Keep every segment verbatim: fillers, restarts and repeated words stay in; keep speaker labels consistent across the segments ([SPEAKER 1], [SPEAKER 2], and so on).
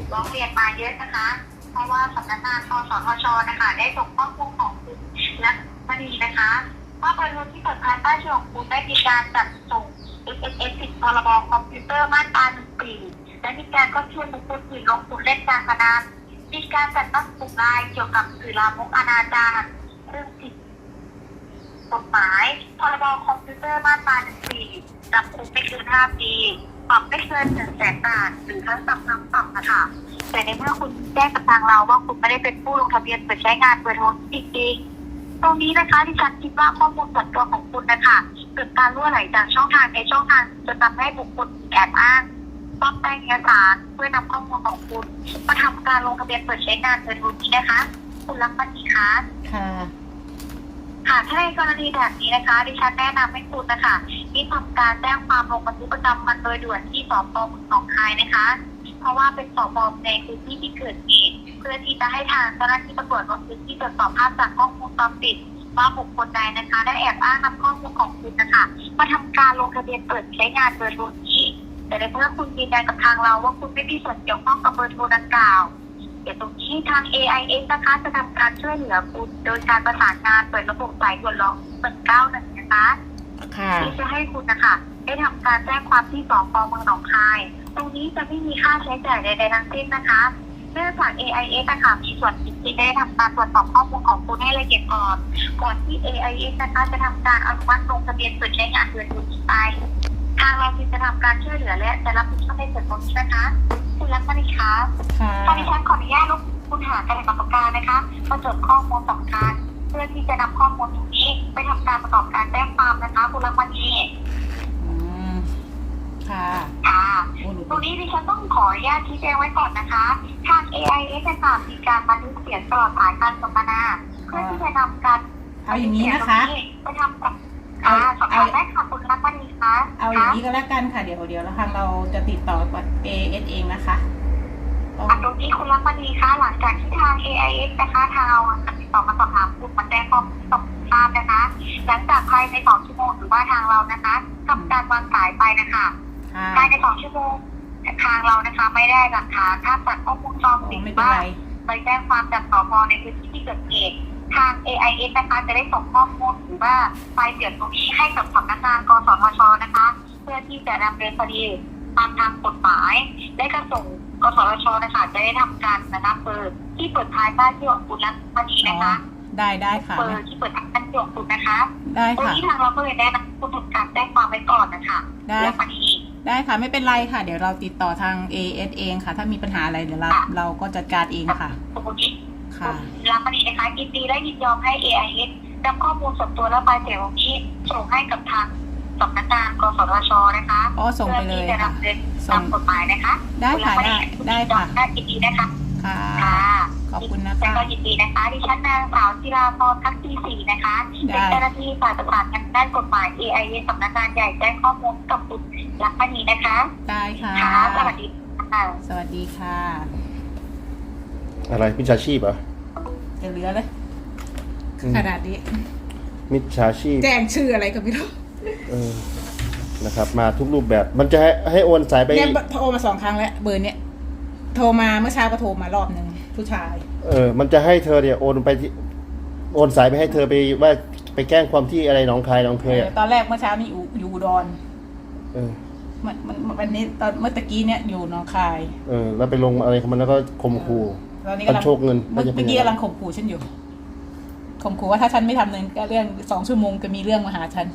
[SPEAKER 1] ร้องเรียนมาเยอะนะคะเพราะว่าสำนักงานกสทชนะคะได้ส่งข้อมูลของคุณและมณีนะคะว่าเบอร์โทรที่เปิดภายใต้ชื่อของคุณได้มีการจัดส่ง เอส เอ็ม เอส ผิดพรบคอมพิวเตอร์มาตราหนึ่งปีและมีการก็ชวนบุคคลอื่นลงทุนเล่นการพนันมีการจัดตั้งกลุ่มไลน์เกี่ยวกับสื่อลามกอนาจารเรื่องผิดกฎหมายพรบคอมพิวเตอร์มาตราหนึ่งปีจำคุกไม่เกินห้าปีปรับไม่เกินหนึ่งแสนบาทหรือทั้งจำทั้งปรับนะคะแต่ในเมื่อคุณแจ้งกับทางเราว่าคุณไม่ได้เป็นผู้ลงทะเบียนเปิดใช้งานเบอร์โทรจริงๆตรงนี้นะคะที่ฉันคิดว่าข้อมูลส่วนตัวของคุณนะคะเกิดการรั่วไหลจากช่องทางในช่องทางจะทำให้บุคคลแอบอ้างปลอมแปลงเอกสารเพื่อนำข้อมูลของคุณมาทำการลงทะเบียนเปิดใช้งานเบอร์โทรนี้นะคะคุณรักมันดีคะ
[SPEAKER 2] ค่ะ
[SPEAKER 1] ค่ะถ้าในกรณีแบบนี้นะคะดิฉันแนะนำให้คุณนะคะที่ทำการแจ้งความลงบันทึกประจำวันโดยด่วนที่สพ.หนองคายนะคะเพราะว่าเป็นสพ.ในพื้นที่ที่เกิดเหตุเพื่อที่จะให้ทางเจ้าหน้าที่ตำรวจลงพื้นที่ตรวจสอบภาพจากกล้องวงจรปิดว่าบุคคลใดนะคะได้แอบอ้างนำข้อมูลของคุณนะคะมาทำการลงทะเบียนเปิดใช้งานเบอร์โทรนี้แต่ในเมื่อคุณยืนยันกับทางเราว่าคุณไม่มีส่วนเกี่ยวข้องกับเบอร์โทรดังกล่าวเดี๋ยวตรงนี้ทาง เอ ไอ เอส นะคะจะทำการช่วยเหลือคุณโดยการประสานงานเปิดระบบสายด่วนร้องหนึ่งเก้าหนึ่งนะคะที่จะให้คุณนะคะได้ทำการแจ้งความที่สพ.เมืองหนองคายตรงนี้จะไม่มีค่าใช้จ่ายใดๆทั้งสิ้นนะคะเนื่องจาก เอ ไอ เอส นะคะมีส่วนผิดที่ได้ทำการตรวจสอบข้อมูลของคุณให้ละเอียดก่อนก่อนที่ เอ ไอ เอส นะคะจะทำการอนุมัติลงทะเบียนเปิดใช้งานเบอร์โทรนี้ไปทางเราจะทำการช่วยเหลือและจะรับผิดชอบในส่วนตรงนี้นะคะคุณรักมันดีคะตอนนี้ฉันขออนุญาตลูกคุณหาการประกอบการนะคะมาจดข้อมูลสำคัญเพื่อที่จะนำข้อมูลตรงนี้ไปทำการประกอบการแจ้งความนะคะคุณรักมันดี
[SPEAKER 2] อืมค่ะ
[SPEAKER 1] ค่ะตรงนี้ดิฉันต้องขออนุญาตชี้แจงไว้ก่อนนะคะทาง เอ ไอ เอส จะมีการบันทึกเสียงตลอดสายการสนทนาเพื่อที่จะนำการ
[SPEAKER 2] เอาอย่างนี้นะคะ
[SPEAKER 1] ไปทำกับค่ะสอบถามได้ค่ะคุณรักมันดีคะ
[SPEAKER 2] เอาอย่างนี้ก็แล้วกันค่ะเดี๋ยวเดี๋ยวแล้วทางเราจะติดต่อกับ เอ เอส เองนะคะ
[SPEAKER 1] ตรงนี้คุณรักมันดีคะหลังจากที่ทาง เอ ไอ เอส นะคะทางเราติดต่อมาสอบถามคุณมาแจ้งข้อมูลส่งทราบนะคะหลังจากภายในสองชั่วโมงหรือว่าทางเรานะคะทำการวางสายไปนะคะภายในสองชั่วโมงทางเรานะคะไม่ได้หลักฐานภาพจากข้อมูลจอมปิดบ้างไปแจ้งความจากสพ.ในพื้นที่ที่เกิดเหตุทาง เอ ไอ เอส นะคะจะได้ส่งข้อมูลหรือว่าไฟล์เสียงตรงนี้ให้กับสำนักงานกสทช.นะคะเพื่อที่จะดำเนินคดีตามทางกฎหมายและก็ส่งกสทช.นะคะจะได้ทำการนะคะเปิดที่เปิดท้ายบ้านที่ของคุณรักมณีนะคะ
[SPEAKER 2] ได้ได้ค่ะ
[SPEAKER 1] เปิดที่เปิดท้ายบ้านที่ของคุณนะคะ
[SPEAKER 2] ได้ค่ะ
[SPEAKER 1] ตรงนี้ทางเราก็เลยได้นำคุณทำการแจ้งความไว้ก่อนนะคะ
[SPEAKER 2] ได้ได้ค่ะไม่เป็นไรค่ะเดี๋ยวเราติดต่อทาง เอ เอส เองค่ะถ้ามีปัญหาอะไรเดี๋ยวเราเราก็จัดการเองค่ะ
[SPEAKER 1] ค่ะรักมณีนะคะยินดีและยินยอมให้ เอ ไอ เอส นำข้อมูลส่วนตัวและไฟล์เสียงนี้ส่งให้กับทางสำนักงานกสทช.นะคะ
[SPEAKER 2] อ๋อส่งไปเลยค่ะ
[SPEAKER 1] ตามกฎหมายนะคะ
[SPEAKER 2] ได้ค่ะได้ได้ค่ะ
[SPEAKER 1] ได้ยินดีนะคะ
[SPEAKER 2] ค่ะขอบคุณนะคะ
[SPEAKER 1] ก็ยินดีนะคะดิฉันนางสาวจิราพรทักษีศรีนะคะเป็นเจ้าหน้าที่ฝ่ายประสานงานด้านกฎหมาย เอ ไอ เอส สำนักงานใหญ่แจ้งข้อมูลกับคุณรักมณีนะคะ
[SPEAKER 2] ได้ค่ะ
[SPEAKER 1] สวัสดีค่ะ
[SPEAKER 2] สวัสดีค่ะ
[SPEAKER 3] อะไรมิจฉาชีพเหรอ
[SPEAKER 2] จะเหลือเลยขนาดนี้
[SPEAKER 3] มิจฉาชีพ
[SPEAKER 2] แจ้งชื่ออะไรก็ไม่รู้
[SPEAKER 3] เออนะครับมาทุกรูปแบบมันจะให้ให้โอนสายไป
[SPEAKER 2] เนี่ยโทรมาสองครั้งแล้วเบอร์เนี้ยโทรมาเมื่อเช้าก็โทรมารอบหนึ่งผู้ชาย
[SPEAKER 3] เออมันจะให้เธอเนี่ยโอนไปที่โอนสายไปให้เธอไปว่าไปแกล้งความที่อะไรน้องคายน้องเคยอ่ะ
[SPEAKER 2] ตอนแรกเมื่อเช้านี่อยู่อยู่อุดร
[SPEAKER 3] เออ
[SPEAKER 2] มันมันวันนี้ตอนเมื่อตะกี้เนี่ยอยู่น้องคาย
[SPEAKER 3] เออแล้วไปลงอะไรของมันแล้วก็ข่มขู่กันโชคเงิน
[SPEAKER 2] เมื่อกี้กำลังข่มขู่ฉันอยู่ข่มขู่ว่าถ้าฉันไม่ทำเงินก็เรื่องสองชั่วโมงจะมีเรื่องมาหาฉัน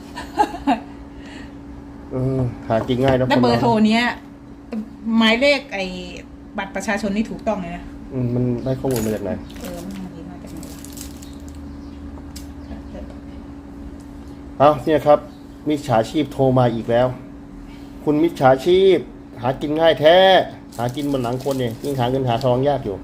[SPEAKER 3] เออหากินง่ายนะ
[SPEAKER 2] แล้วเบอร์โทรเนี้ยหมายเลขไอ้บัตรประชาชนนี่ถูกต้องเลยนะ
[SPEAKER 3] อืมมันได้ข้อมูลมาจากไหน
[SPEAKER 2] เออมันดีมาจากไหน
[SPEAKER 3] เอาเนี่ยครับมิจฉาชีพโทรมาอีกแล้วคุณมิจฉาชีพหากินง่ายแท้หากินบนหลังคนเนี่ยยิ่งหาเงินหาทองยากอยู่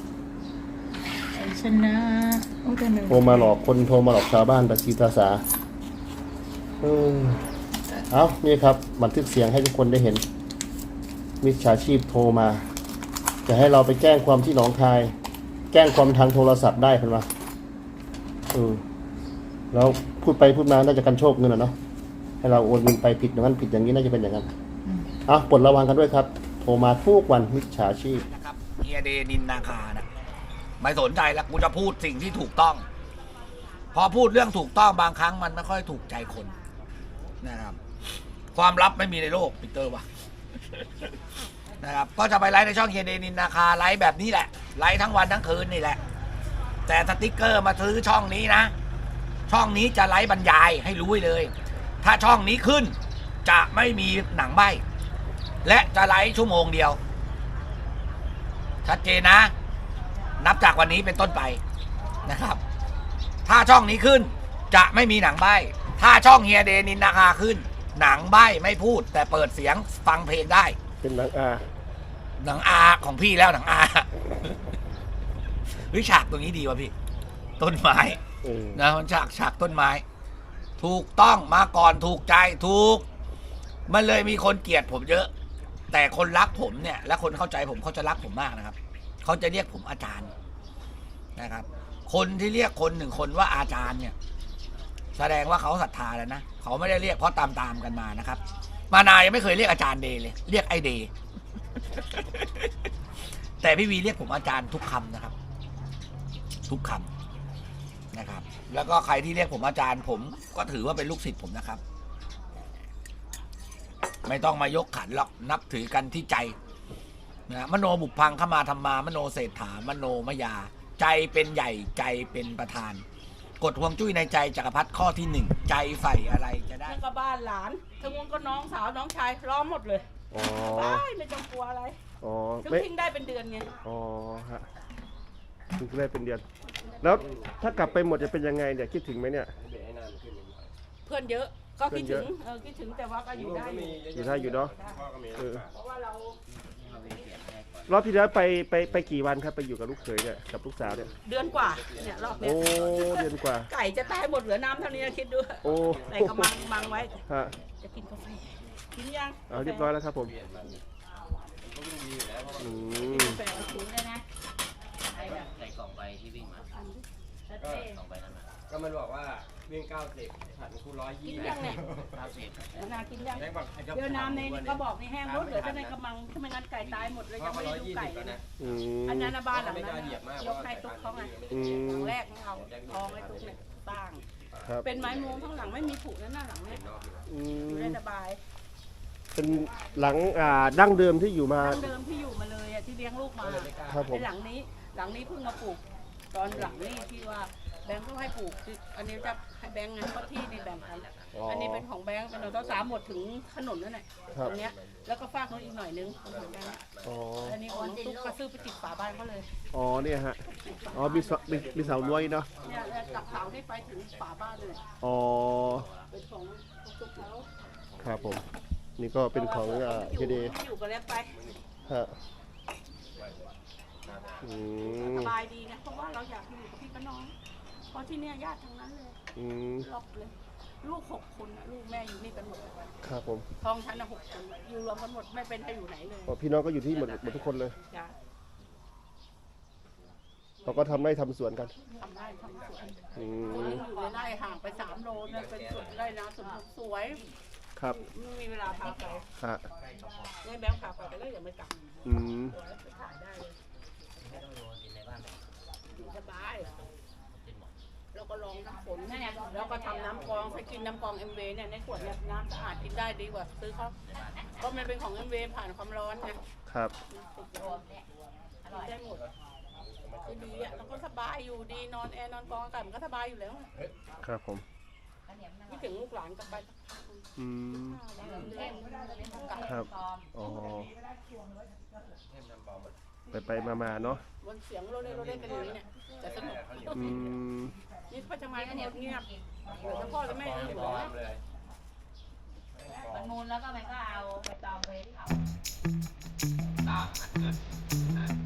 [SPEAKER 2] ชนะ
[SPEAKER 3] โทรมาหลอกคนโทรมาหลอกชาวบ้านประชีตาสาเออเอานี่ครับบันทึกเสียงให้ทุกคนได้เห็นมิจฉาชีพโทรมาจะให้เราไปแจ้งความที่หนองคายแจ้งความทางโทรศัพท์ได้เห็นไหมเออแล้วพูดไปพูดมาน่าจะกันโชคเงินอ่ะเนาะให้เราโอนเงินไปผิดอย่างนั้นผิดอย่างนี้น่าจะเป็นอย่างนั้นเอาปลดระวังกันด้วยครับโทรมาทุกวันมิจฉาชีพ
[SPEAKER 4] นะครับเฮียเดนินนาคานะไม่สนใจแล้วกูจะพูดสิ่งที่ถูกต้อง พอพูดเรื่องถูกต้องบางครั้งมันไม่ค่อยถูกใจคนนะครับ ความลับไม่มีในโลกปีเตอร์วะ นะครับก็จะไปไลฟ์ในช่องเฮียเดนินนาคาไลฟ์แบบนี้แหละไลฟ์ทั้งวันทั้งคืนนี่แหละ แต่สติ๊กเกอร์มาซื้อช่องนี้นะ ช่องนี้จะไลฟ์บรรยายให้รู้ไว้เลย ถ้าช่องนี้ขึ้นจะไม่มีหนังใบ้และจะไลฟ์ชั่วโมงเดียวชัดเจนนะ นับจากวันนี้เป็นต้นไปนะครับ ถ้าช่องนี้ขึ้นจะไม่มีหนังใบ้ถ้าช่องเฮียเดนินนาคาขึ้นหนังใบ้ไม่พูดแต่เปิดเสียงฟังเพลงได้
[SPEAKER 3] เป็นหนังอา
[SPEAKER 4] หนังอาของพี่แล้วหนังอาเฮ้ยฉากตรงนี้ดีว่ะพี่ต้นไม้
[SPEAKER 3] เออ
[SPEAKER 4] นะมันฉากฉากต้นไม้ ถูกต้องมาก่อนถูกใจถูก มันเลยมีคนเกลียดผมเยอะ แต่คนรักผมเนี่ย และคนเข้าใจผมเขาจะรักผมมากนะครับเขาจะเรียกผมอาจารย์นะครับ คนที่เรียกคนหนึ่งคนว่าอาจารย์เนี่ย แสดงว่าเขาศรัทธาแล้วนะเขาไม่ได้เรียกเพราะตามตามๆกันมานะครับ มานายยังไม่เคยเรียกอาจารย์เดย์เลย เรียกไอเดย์ แต่พี่วีเรียกผมอาจารย์ทุกคำนะครับ ทุกคำนะครับ แล้วก็ใครที่เรียกผมอาจารย์ผมก็ถือว่าเป็นลูกศิษย์ผมนะครับ ไม่ต้องมายกขันหรอกนับถือกันที่ใจนะมโนบุพพังขมาธรรมามโนเศรษฐามโนมยา ใจเป็นใหญ่ใจเป็นประธาน กฎห่วงจุ้ยในใจจักรพรรดิข้อที่หนึ่งใจใฝ่อะไรจะได้
[SPEAKER 5] ทั้งก็บ้านหลานทั้งวงก็น้องสาวน้องชายล้อมหมดเลย
[SPEAKER 3] อ๋อ
[SPEAKER 5] ได้ไม่ต้องกลัวอะไร
[SPEAKER 3] อ๋อ
[SPEAKER 5] ถึง
[SPEAKER 3] ไม่
[SPEAKER 5] ทิ้งได้เป็นเดือนไง
[SPEAKER 3] อ๋อฮะถึงได้เป็นเดือน แล้วถ้ากลับไปหมดจะเป็นยังไงเนี่ยคิดถึงไหมเนี่ย
[SPEAKER 5] เพื่อนเยอะก็คิดถึง
[SPEAKER 3] เพื่อนเยอะ
[SPEAKER 5] เออคิดถึงแต่ว่าก็อยู่ได้อยู่
[SPEAKER 3] อยู่ได้อยู่เนาะเออ
[SPEAKER 5] เพราะว่าเรา
[SPEAKER 3] รอบที่แล้วไปไปไปกี่วันครับไปอยู่กับลูกเขยเนี่ยกับลูกสาวเนี่ย
[SPEAKER 5] เดือนกว่าเนี่ยรอบเนี้
[SPEAKER 3] โอ้
[SPEAKER 5] ย
[SPEAKER 3] เดือนกว่า
[SPEAKER 5] ไก่จะตายหมดเหลือน้ำเท่านี้นะคิดดู
[SPEAKER 3] โอ้
[SPEAKER 5] ใส่กระมังมังไว้
[SPEAKER 3] ฮะ
[SPEAKER 5] จะกินกาแฟกินยัง
[SPEAKER 3] เอาเรียบร้อยแล้วครับผมอืม
[SPEAKER 5] กาแฟเอาถุงเลยนะ
[SPEAKER 6] ใส่กล่องไปที่วิ่งมา
[SPEAKER 5] ชัด
[SPEAKER 6] ก็
[SPEAKER 5] เจน
[SPEAKER 6] กล่องไปนั้นมา
[SPEAKER 7] ก็มันบอกว่าวิ่งเก้าสิบผัดคูร้อย
[SPEAKER 5] กิ
[SPEAKER 7] ยี่
[SPEAKER 5] นยังเนี่ย
[SPEAKER 6] เก้าสิบ
[SPEAKER 5] เดี๋ยวนากินยัง
[SPEAKER 7] แม่งบอก
[SPEAKER 5] เดี๋ยวน้ำในนี่ก็บอกนี่แห้งรถเหลือแต่ในกระมังถ้าไม่งั้นไก่ตายหมดเลย
[SPEAKER 7] เพ
[SPEAKER 5] ยั
[SPEAKER 7] ราะ
[SPEAKER 5] ง
[SPEAKER 7] เขา
[SPEAKER 5] ไม่
[SPEAKER 7] ร้
[SPEAKER 5] ได้
[SPEAKER 7] อย
[SPEAKER 5] ดู
[SPEAKER 7] ยี่
[SPEAKER 5] ไก่
[SPEAKER 7] สิบแล้วนะ
[SPEAKER 3] อืม
[SPEAKER 5] อันนั้นนะบ้านหลัง
[SPEAKER 7] ไม่
[SPEAKER 5] นั้น
[SPEAKER 7] กล้าเหยียบมาก
[SPEAKER 5] ยกให้ตุ๊กเขาไง
[SPEAKER 3] อื
[SPEAKER 5] หลั
[SPEAKER 3] ม
[SPEAKER 5] งแรกของเขาทองไอ้ตุ๊กเนี่ยตั้ง
[SPEAKER 3] ครับ
[SPEAKER 5] เป็นไม้มุงทั้งหลังไม่มีผุนั่นน่ะหลังเนี่ย
[SPEAKER 3] อื
[SPEAKER 5] อยู่
[SPEAKER 3] ม
[SPEAKER 5] ได้สบาย
[SPEAKER 3] เป็นหลังอ่าดั้งเดิมที่อยู่มา
[SPEAKER 5] ดั้งเดิมที่อยู่มาเลยอะที่เลี้ยงลูกมา
[SPEAKER 3] ครับผม
[SPEAKER 5] ไอ้หลังนี้ หลังนี้เพิ่งมาปลูก ตอนหลังนี้ที่ว่าแบงค์ก็ให้ปลูกคืออันนี้จะให้แบงค์ไงเพราะที่นี่แบ่งกัน
[SPEAKER 3] อ๋ออั
[SPEAKER 5] อันนี้เป็นของแบงค์เป็นของเจ้าสามหมดถึงถนนนั่นแหละ
[SPEAKER 3] ครับ
[SPEAKER 5] ตรงเนี้ยแล้วก็ฟากนู้นอีกหน่อยนึงของแบงค์
[SPEAKER 3] อ๋อ
[SPEAKER 5] อันนี้ของตุ๊กก็ซื้อไปติดฝาบ้านเขาเลย
[SPEAKER 3] อ๋อเนี่ยฮะอ๋อมีเสามีมีเสาลวยเนาะ
[SPEAKER 5] เนี่ยแล้วจากเสาที่ไปถึงฝาบ้านเลย
[SPEAKER 3] อ๋อ
[SPEAKER 5] เป็นของตุ๊กเขา
[SPEAKER 3] ครับผม นี่ก็เป็นของอ่าเฮเด
[SPEAKER 5] อยู่กันแล้วไป
[SPEAKER 3] ฮะอืม
[SPEAKER 5] สบายดีนะเพราะว่าเราอยากอยู่กับพี่กับน้อง เพราะที่เนี่ยญาติทั้งนั้นเลย
[SPEAKER 3] อืม
[SPEAKER 5] รอบเลย ลูกหกคนนะลูกแม่อยู่นี่กันหมด
[SPEAKER 3] ครับผม
[SPEAKER 5] ท้องฉันนะหกคนอยู่รวมกันหมดไม่เป็นใครอยู่ไหนเลย
[SPEAKER 3] อ๋อพี่น้องก็อยู่ที่หมดหมดทุกคนเลย
[SPEAKER 5] จ้ะ
[SPEAKER 3] เราก็ทำไร่ทำสวนกัน
[SPEAKER 5] ทำได้ทำสวน
[SPEAKER 3] อื
[SPEAKER 5] คน
[SPEAKER 3] ม
[SPEAKER 5] นึงอยู่ในไร่ห่างไปสามโลนะเป็นสวนไร่นาสวนสวย
[SPEAKER 3] ครับ
[SPEAKER 5] ไม่มีเวลาพาไป
[SPEAKER 3] ฮะ
[SPEAKER 5] ไม่แบงค์พาไปแต่ก็ยังไม่กลับ
[SPEAKER 3] อืม
[SPEAKER 5] สวยไปถ่ายได้เลย
[SPEAKER 6] ไม่ต้องโยนดินในบ้านเลย
[SPEAKER 5] อยู่สบาย
[SPEAKER 6] ดินหมด
[SPEAKER 5] แล้วก็ลองน้ำฝนแล้วก็ทำน้ำกรองใช้กินน้ำกรองเอ็มเวเนี่ยในขวดเนี่ยน้ำสะอาดกินได้ดีกว่าซื้อเขาเพราะมันเป็นของเอ็มเวผ่านความร้อนไง
[SPEAKER 3] ครับ
[SPEAKER 5] ติดโดนกินได้หมดคือดีอ่ะแล้วก็สบายอยู่ดีนอนแอร์นอนกรองอากาศมันก็สบายอยู่แล้ว
[SPEAKER 3] ครับผม
[SPEAKER 5] คิดถึงลูกหลานกลับไป
[SPEAKER 3] อืม
[SPEAKER 5] เล่นกลับ
[SPEAKER 3] ครับอ๋อไปไปมามาๆเนาะ
[SPEAKER 5] วันเสียงโรเล่โรเล่กันอย่างนี้เนี่ยแต่สนุก
[SPEAKER 3] อืม
[SPEAKER 5] นี่พ่อจะมาทั้งหมดเงียบเหลือแต่พ่อและแม่ยังอยู่นะ
[SPEAKER 8] มันมูลแล้วก็มันก็เอาไปตองไปเผา